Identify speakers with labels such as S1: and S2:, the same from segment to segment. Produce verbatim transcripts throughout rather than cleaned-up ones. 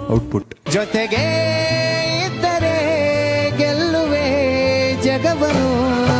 S1: Output.
S2: ಜೊತೆಗೆ ಇದ್ದರೆ ಗೆಲ್ಲುವೆ ಜಗವನು.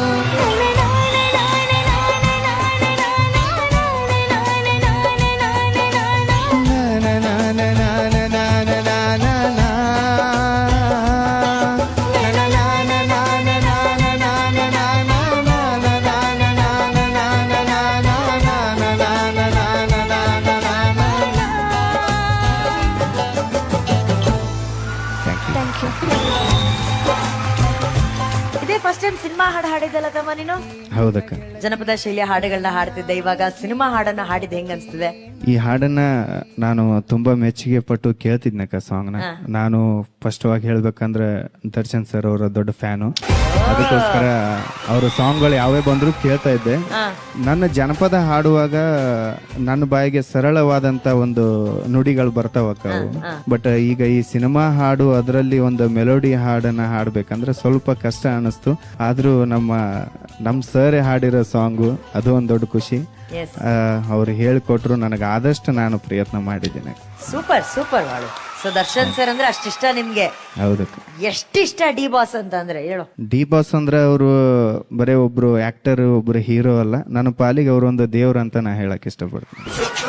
S3: ಇದೇ ಫಸ್ಟ್ ಟೈಮ್ ಸಿನಿಮಾ ಹಾಡು ಹಾಡಿದ್ದಲ್ಲ ತಮ್ಮ ನೀನು?
S1: ಹೌದಕ್ಕ.
S3: ಜನಪದ ಶೈಲಿಯ ಹಾಡುಗಳನ್ನ ಹಾಡ್ತಿದ್ದೆ, ಇವಾಗ ಸಿನಿಮಾ ಹಾಡನ್ನ ಹಾಡಿದ್ ಹೆಂಗ್ ಅನ್ಸ್ತಿದೆ?
S1: ಈ ಹಾಡನ್ನ ನಾನು ತುಂಬಾ ಮೆಚ್ಚುಗೆ ಪಟ್ಟು ಕೇಳ್ತಿದ್ನಕ್ಕ ಸಾಂಗ್ ನ. ನಾನು ಫಸ್ಟ್ ವಾಗಿ ಹೇಳ್ಬೇಕಂದ್ರೆ ದರ್ಶನ್ ಸರ್ ಅವರ ದೊಡ್ಡ ಫ್ಯಾನು. ಅದಕ್ಕೋಸ್ಕರ ಅವ್ರ ಸಾಂಗ್ಗಳು ಯಾವೇ ಬಂದ್ರು ಕೇಳ್ತಾ ಇದ್ದೆ. ನನ್ನ ಜನಪದ ಹಾಡುವಾಗ ನನ್ನ ಬಾಯಿಗೆ ಸರಳವಾದಂತ ಒಂದು ನುಡಿಗಳು ಬರ್ತಾವಕ್ಕ ಅವು. ಬಟ್ ಈಗ ಈ ಸಿನಿಮಾ ಹಾಡು ಅದರಲ್ಲಿ ಒಂದು ಮೆಲೋಡಿ ಹಾಡನ್ನ ಹಾಡ್ಬೇಕಂದ್ರೆ ಸ್ವಲ್ಪ ಕಷ್ಟ ಅನಿಸ್ತು. ಆದ್ರೂ ನಮ್ಮ ನಮ್ ಸರ್ ಹಾಡಿರೋ ಸಾಂಗು ಅದು ಒಂದ್ ದೊಡ್ಡ ಖುಷಿ. ಅವ್ರು ಹೇಳ್ಕೊಟ್ರು, ನನಗೆ ಆದಷ್ಟು ನಾನು ಪ್ರಯತ್ನ ಮಾಡಿದ್ದೇನೆ.
S3: ಸೂಪರ್ ಸೂಪರ್ ಹಾಡು. ಸೊ ದರ್ಶನ್ ಸರ್ ಅಂದ್ರೆ ಅಷ್ಟಿಷ್ಟ ನಿಮ್ಗೆ?
S1: ಹೌದಕ್ಕ.
S3: ಎಷ್ಟಿಷ್ಟ ಡಿ ಬಾಸ್ ಅಂತ ಅಂದ್ರೆ ಹೇಳು?
S1: ಡಿ ಬಾಸ್ ಅಂದ್ರೆ ಅವರು ಬರೇ ಒಬ್ರು ಆಕ್ಟರ್, ಒಬ್ರು ಹೀರೋ ಅಲ್ಲ, ನನ್ನ ಪಾಲಿಗೆ ಅವರು ಒಂದು ದೇವ್ರು ಅಂತ ನಾ ಹೇಳಕ್ ಇಷ್ಟಪಡ್ತೀನಿ.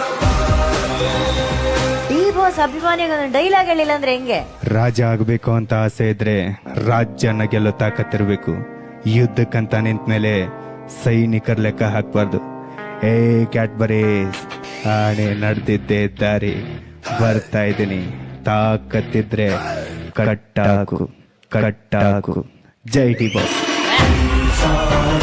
S3: ಡಿ ಬಾಸ್ ಅಭಿಮಾನಿಗಳ ಡೈಲಾಗ್ ಹೇಳಿಲ್ಲ ಅಂದ್ರೆ ಹೆಂಗೆ?
S1: ರಾಜ ಆಗ್ಬೇಕು ಅಂತ ಆಸೆ ಇದ್ರೆ ರಾಜ್ಯನ ಗೆಲ್ಲೋ ತಾಕತ್ತಿರ್ಬೇಕು. ಯುದ್ಧಕ್ಕಂತ ನಿಂತ ಮೇಲೆ ಸೈನಿಕರ ಲೆಕ್ಕ ಹಾಕ್ಬಾರ್ದು. ಏ ಕ್ಯಾಟ್ಬರೀಸ್, ಆಣೆ ನಡೆದಿದ್ದೆ ದಾರಿ ಬರ್ತಾ ಇದ್ದೀನಿ. ತಾಕತ್ತಿದ್ರೆ ಕಟ್ಟಾಕು ಕಟ್ಟಾಕು. ಜೈ ಡಿ ಬಾಸ್.